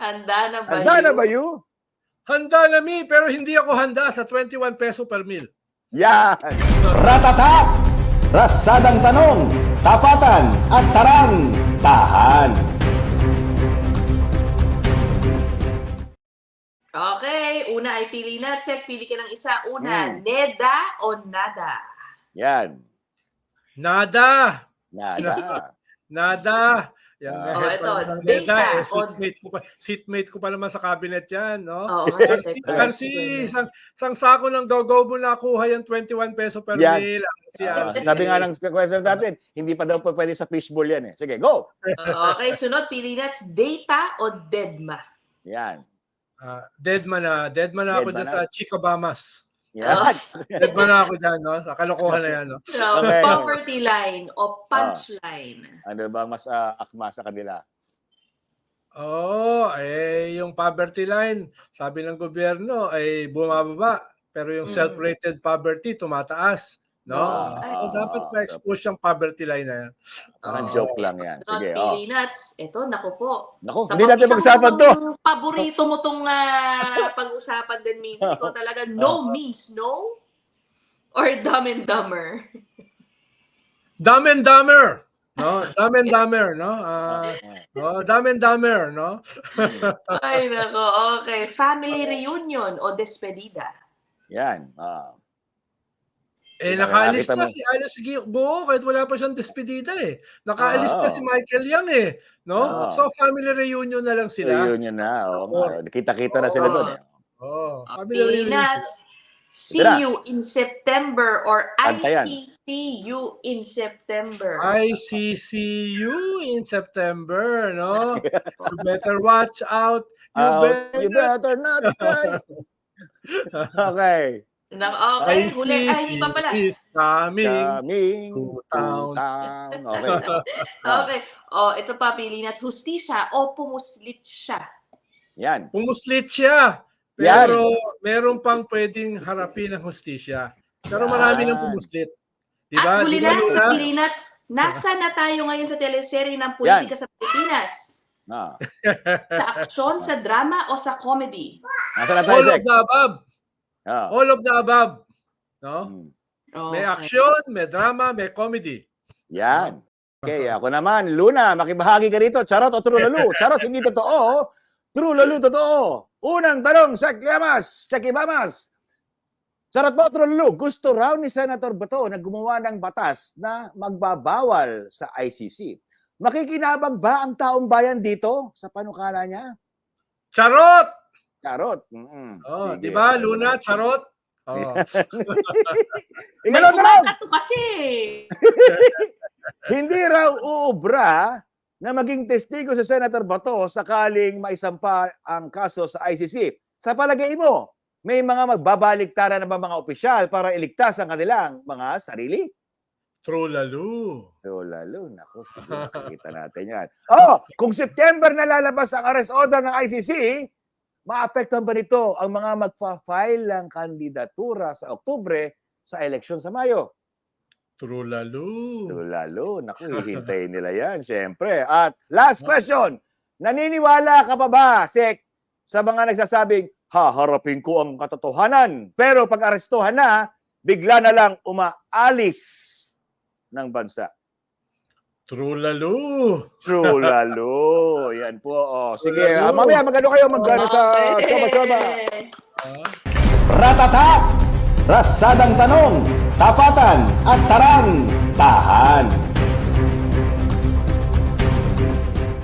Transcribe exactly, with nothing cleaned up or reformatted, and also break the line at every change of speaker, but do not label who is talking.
Handa na ba
Handa
yun?
na ba you?
Handa na mi, pero hindi ako handa sa twenty-one peso per meal.
Yan!
Ratata! Ratsadang tanong, tapatan at tarang, tahan.
Okay, una ay pili na. Sek, pili ka ng isa. Una,
Hmm.
neda o nada?
Yan.
Nada!
Nada.
Nada! Yan,
Ah.
head
Oh,
pa
ito,
naman ng
data
Neda, eh,
on-
seatmate ko pa, seatmate ko pa naman sa cabinet yan, no?
Oo, nga,
Kasi,
Sek.
kasi isang, isang sako ng go-go mo nakuha yung twenty-one peso per
Yan.
meal. Si
Ah,
R C.
sabi nga ng question natin, hindi pa daw pa pwede sa fishbowl yan eh. Sige, go!
Okay, sunod, pili na. Data o dedma?
Yan.
Ah, deadman na. Deadman na ako
Deadman
dyan
na.
sa Chicabamas.
Yan.
Deadman na ako dyan, no? Sa kalokohan na yan, no?
So,
Okay.
poverty line o punchline?
Ano ba mas ah, akma sa kanila?
Oo, eh, yung poverty line, sabi ng gobyerno, ay bumababa. Pero yung
Mm.
self-rated poverty, tumataas. No?
Ah,
So,
ah,
dapat ma-expose yung poverty line na yan.
Parang
Oo.
joke lang yan.
Sunod,
Sige, oh.
pili nuts. Ito, naku po.
Naku,
Sa
hindi natin
isang
pag-usapan to.
mukhang paborito mo tong ah, pag-usapan din minsan. Ito talaga, no means no? Or dumb and dumber?
Dumb and Dumber! No? Dumb and Dumber, no? Ah, no? Dumb and Dumber, no?
Ay, nako. Okay. Family reunion o despedida?
Yan. Ah.
Eh,
Nakakita
nakaalis na
mo.
si Alice Guo kahit wala pa siyang despedida eh. Nakaalis
Ah,
na
oo.
si Michael Yang eh. No?
Ah.
So, family reunion na lang sila.
Reunion na. Oo nga. Kita-kita na sila
Oo.
doon. Eh.
Oh, family
Pili
reunion.
nuts. See
Ito na.
you in September or I
Antayan.
C C you in September?
I C C U in September, no? You better watch out. You
Ah,
better.
you better not cry. Okay.
Na, okay, huli. Ay,
I C C
hindi pa pala.
is coming.
Coming
to
to
town.
town. Okay. Ah,
Okay. Oh, ito pa, pili nuts. Hustisya o pumuslit siya?
Yan.
Pumuslit siya.
Yan.
Pero meron pang pwedeng harapin ng hustisya. Pero marami
Yan.
nang pumuslit. Diba?
At huli
Diba,
na, sa
Luna?
pili nuts, nasa na tayo ngayon sa teleserye ng politika sa Pilipinas?
Ah.
Sa aksyon, sa drama, o sa comedy?
Nasa na tayo,
All of
Sek?
the above.
Ah.
All of the above. No?
Hmm.
May
Okay.
action, may drama, may comedy.
Yan. Okay, ako naman. Luna, makibahagi ka rito. Charot o true lalo? Charot, hindi totoo. True lalo, totoo. Unang tanong, Sek Llamas, Checky Bamas. Charot mo, true lalo? Gusto raw ni Senator Bato na gumawa ng batas na magbabawal sa I C C. Makikinabang ba ang taong bayan dito sa panukala niya?
Charot!
Charot. Mm-mm.
Oh,
Sige.
di ba, Luna? Charot? Oh.
May
Ikaw naman,
kumakato kasi.
hindi raw uubra na maging testigo sa Senator Bato sakaling maisampa ang kaso sa I C C. Sa palagay mo, may mga magbabaliktaran na ba mga opisyal para iligtas ang kanilang mga sarili?
True lalo.
So, lalo, naku, sige, makikita natin yan. Oh, kung September na lalabas ang arrest order ng I C C, maapektuhan ba nito ang mga magfa-file ng kandidatura sa Oktubre sa eleksyon sa Mayo?
True lalo.
So, lalo, naku, hihintayin nila yan, syempre. At last question, naniniwala ka pa ba, Sek, sa mga nagsasabing, haharapin ko ang katotohanan, pero pag arestuhan na, bigla na lang umaalis ng bansa?
True lalo.
True, lalo. Yan po. Oh. Sige,
Lalo.
ah, mamaya magano kayo magano sa
Okay.
choba-choba.
Ah.
Ratata! Ratsadang tanong, tapatan at tarang, tahan.